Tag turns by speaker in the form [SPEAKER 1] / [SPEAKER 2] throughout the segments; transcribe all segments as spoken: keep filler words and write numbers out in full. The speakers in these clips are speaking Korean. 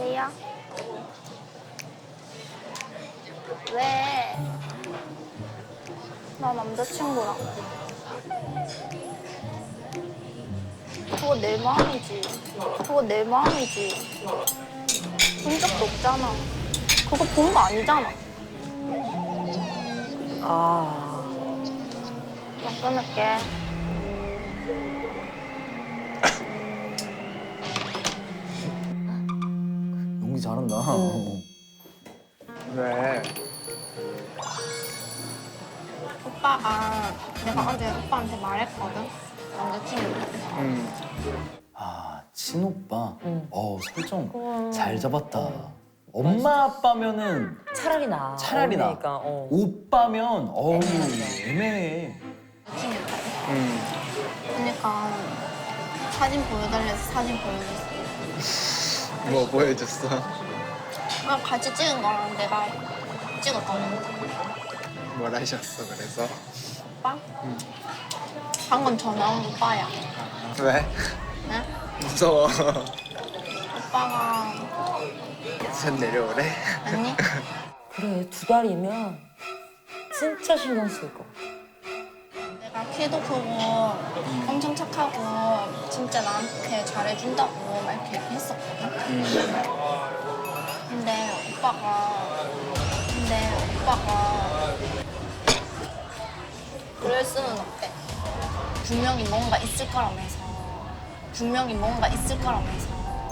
[SPEAKER 1] 여보세요? 왜? 나 남자친구랑. 그거 내 마음이지. 그거 내 마음이지. 본 적도 없잖아. 그거 본 거 아니잖아.
[SPEAKER 2] 아.
[SPEAKER 1] 나 끊을게.
[SPEAKER 3] 연기 잘한다.
[SPEAKER 4] 왜?
[SPEAKER 1] 오빠가 내가 어제 오빠한테 말했거든. 남자친구.
[SPEAKER 4] 응.
[SPEAKER 3] 아, 친오빠.
[SPEAKER 2] 응.
[SPEAKER 3] 어, 설정
[SPEAKER 2] 우와.
[SPEAKER 3] 잘 잡았다. 엄마 아빠면은
[SPEAKER 2] 차라리 나.
[SPEAKER 3] 차라리 나.
[SPEAKER 2] 그러니까, 어.
[SPEAKER 3] 오빠면 어우
[SPEAKER 2] 애매하네.
[SPEAKER 3] 애매해.
[SPEAKER 4] 응.
[SPEAKER 1] 그러니까 사진 보여달래서 사진 보여줬어.
[SPEAKER 4] 뭐 보여줬어?
[SPEAKER 1] 그냥 같이 찍은 거랑 내가 찍었거든.
[SPEAKER 4] 뭘 하셨어 그래서?
[SPEAKER 1] 오빠? 방금 전화 온 오빠야.
[SPEAKER 4] 왜?
[SPEAKER 1] 응?
[SPEAKER 4] 무서워.
[SPEAKER 1] 오빠가
[SPEAKER 4] 전 내려오래?
[SPEAKER 1] 아니?
[SPEAKER 2] 그래, 두 달이면 진짜 신경 쓸 거.
[SPEAKER 1] 내가 키도 크고 엄청 착하고 진짜 나한테 잘해준다고 막 이렇게 했었거든.
[SPEAKER 4] 응.
[SPEAKER 1] 근데 오빠가 근데 오빠가 그럴 수는 없대. 분명히 뭔가 있을 거라면서 분명히 뭔가 있을 거라면서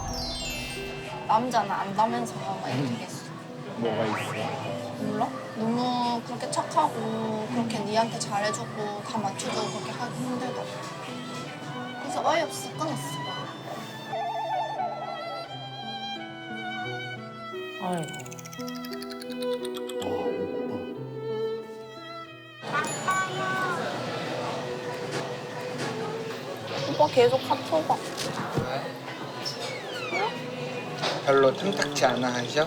[SPEAKER 1] 남자는 안다면서 막 이렇게 했어.
[SPEAKER 4] 뭐가 있어?
[SPEAKER 1] 몰라? 너무 그렇게 착하고 그렇게 니한테 잘해주고 다 맞춰주고 그렇게 하기 힘들다고. 그래서 어이없어 끊었어.
[SPEAKER 2] 아이고.
[SPEAKER 1] 오빠 계속 카톡 와.
[SPEAKER 4] 별로 탐탁치 않아 하셔?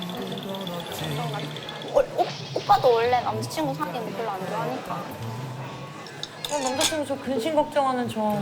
[SPEAKER 1] 오, 오, 오빠도 원래 남자친구 사귀는 거 별로 안 좋아하니까.
[SPEAKER 2] 어, 남자친구 저 근심 걱정하는 저.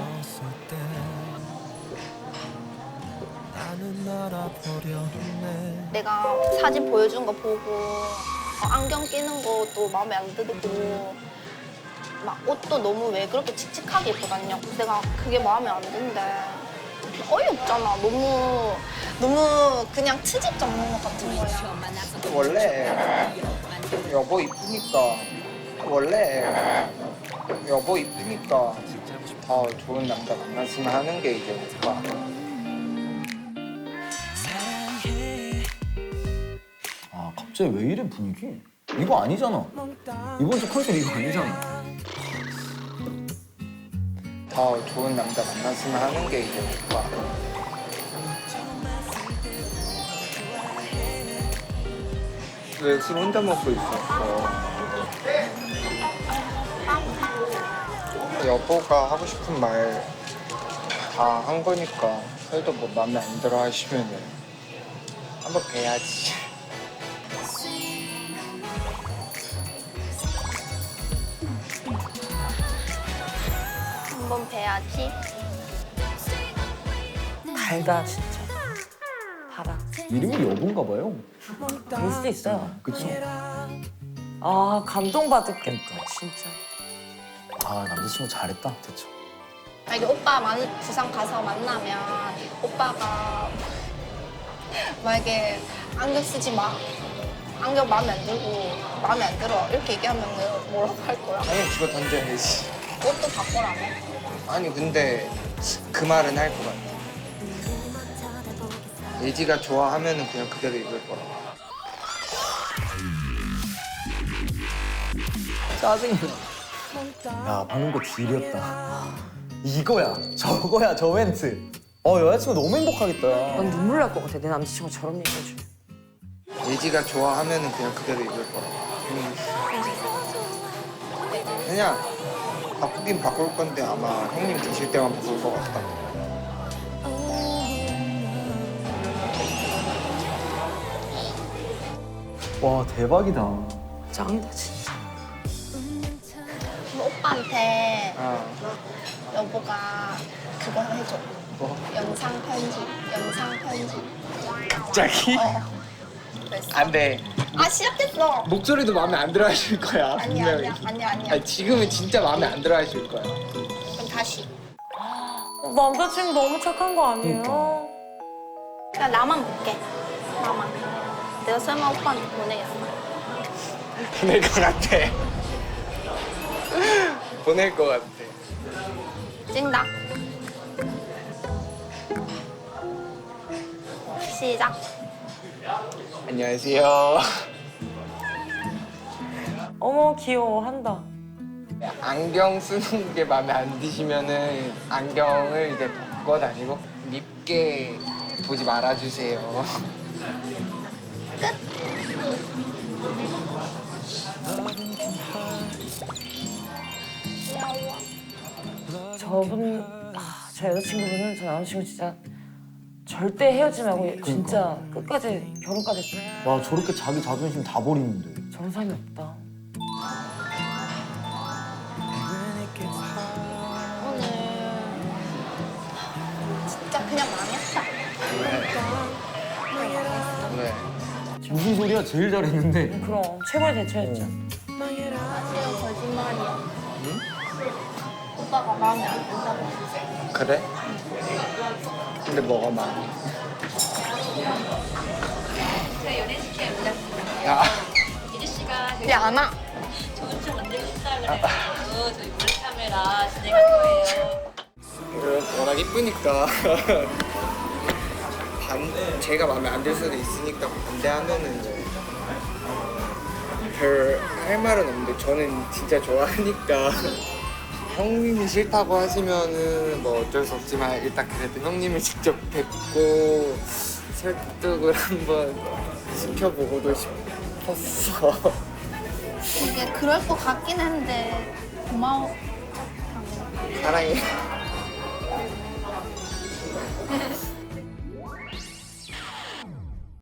[SPEAKER 1] 내가 사진 보여준 거 보고 어, 안경 끼는 것도 마음에 안 들고 막 옷도 너무 왜 그렇게 칙칙하게 입고 다니냐고. 내가 그게 마음에 안 든대. 어이없잖아. 너무 너무 그냥 트집 잡는 것 같은 거야.
[SPEAKER 4] 원래 여보 이쁘니까 원래 여보 이쁘니까 더 좋은 남자 만났으면 하는 게 이제 오빠.
[SPEAKER 3] 아, 갑자기 왜 이래 분위기? 이거 아니잖아. 이번 주 컨셉 이거 아니잖아.
[SPEAKER 4] 더 좋은 남자 만났으면 하는 게 이제 오빠. 왜 술 혼자 먹고 있었어? 여보가 하고 싶은 말 다 한 거니까 설도 뭐 마음에 안 들어 하시면은 한번 뵈야지.
[SPEAKER 1] 한번 뵈야지.
[SPEAKER 2] 달다, 진짜. 달아.
[SPEAKER 3] 이름이 여보인가 봐요.
[SPEAKER 2] 그럴 수도 있어요.
[SPEAKER 3] 그쵸?
[SPEAKER 2] 아, 감동받았겠다, 진짜.
[SPEAKER 3] 아, 남자친구 잘했다. 됐죠.
[SPEAKER 1] 만약에 오빠 만, 부산 가서 만나면 오빠가 만약에 안경 쓰지 마. 안경 마음에 안 들고 마음에 안 들어. 이렇게 얘기하면 뭐라고 할 거야?
[SPEAKER 4] 아니 집어 던져야지.
[SPEAKER 1] 옷도 바꿔라며.
[SPEAKER 4] 아니 근데 그 말은 할 것 같아. 예지가 좋아하면은 그냥 그대로 입을 거라.
[SPEAKER 3] 짜증나. 야, 방금 거 딜이었다. 이거야, 저거야, 저 멘트. 어, 여자친구 너무 행복하겠다.
[SPEAKER 2] 난 눈물 날 것 같아, 내 남자친구 저런 얘기 해주면.
[SPEAKER 4] 예지가 좋아하면은 그냥 그대로 입을 거라. 음. 그냥 바꾸긴 바꿀 건데 아마 형님 계실 때만 바꿀 것 같다.
[SPEAKER 3] 와, 대박이다.
[SPEAKER 2] 짱이다, 진짜.
[SPEAKER 1] 그럼 오빠한테
[SPEAKER 4] 아,
[SPEAKER 1] 여보가 그거 해줘.
[SPEAKER 4] 뭐?
[SPEAKER 1] 영상 편집. 영상 편집.
[SPEAKER 4] 갑자기?
[SPEAKER 1] 어. 됐어.
[SPEAKER 4] 안 돼.
[SPEAKER 1] 아 시작했어.
[SPEAKER 4] 목소리도 마음에 안 들어 하실 거야.
[SPEAKER 1] 아니야
[SPEAKER 4] 분명히.
[SPEAKER 1] 아니야 아니야 아니야.
[SPEAKER 4] 아니, 지금은 진짜 마음에 안 들어 하실 거야.
[SPEAKER 1] 그럼 다시.
[SPEAKER 2] 남자친구 너무 착한 거 아니에요?
[SPEAKER 1] 그냥 나만 볼게. 나만. 내가 설마 오빠한테 보내겠어.
[SPEAKER 4] 보낼 것 같아. 보낼 것 같아.
[SPEAKER 1] 찐다. 시작.
[SPEAKER 4] 안녕하세요.
[SPEAKER 2] 어머 귀여워 한다.
[SPEAKER 4] 안경 쓰는 게 마음에 안 드시면은 안경을 이제 벗고 다니고 밉게 보지 말아주세요.
[SPEAKER 2] 저분, 아, 저 여자친구분은 저 남자친구 진짜 절대 헤어지지 말고 진짜 끝까지 결혼까지 했으면
[SPEAKER 3] 와 저렇게 자기 자존심 다 버리는데.
[SPEAKER 2] 저런 사람이 없다.
[SPEAKER 1] 오늘 진짜 그냥 망했다.
[SPEAKER 4] 네.
[SPEAKER 3] 무슨 소리야? 제일 잘했는데.
[SPEAKER 2] 그럼 최고의 대처였죠.
[SPEAKER 1] 사실은 거짓말이야. 오빠가 마음에 안 든다고 했어.
[SPEAKER 4] 그래? 근데 뭐가 많이? 야,
[SPEAKER 1] 근데 안 와.
[SPEAKER 5] 좋은 만들고 싶다 그래가지고 저희 몰래카메라 진행할 거예요.
[SPEAKER 4] 이거 워낙 이쁘니까 반 제가 마음에 안 들 수도 있으니까 반대하면은 별 할 말은 없는데 저는 진짜 좋아하니까 형님이 싫다고 하시면은 뭐 어쩔 수 없지만 일단 그래도 형님을 직접 뵙고 설득을 한번 시켜보고도 싶었어.
[SPEAKER 1] 이게 그럴 것 같긴 한데 고마워.
[SPEAKER 4] 사랑해.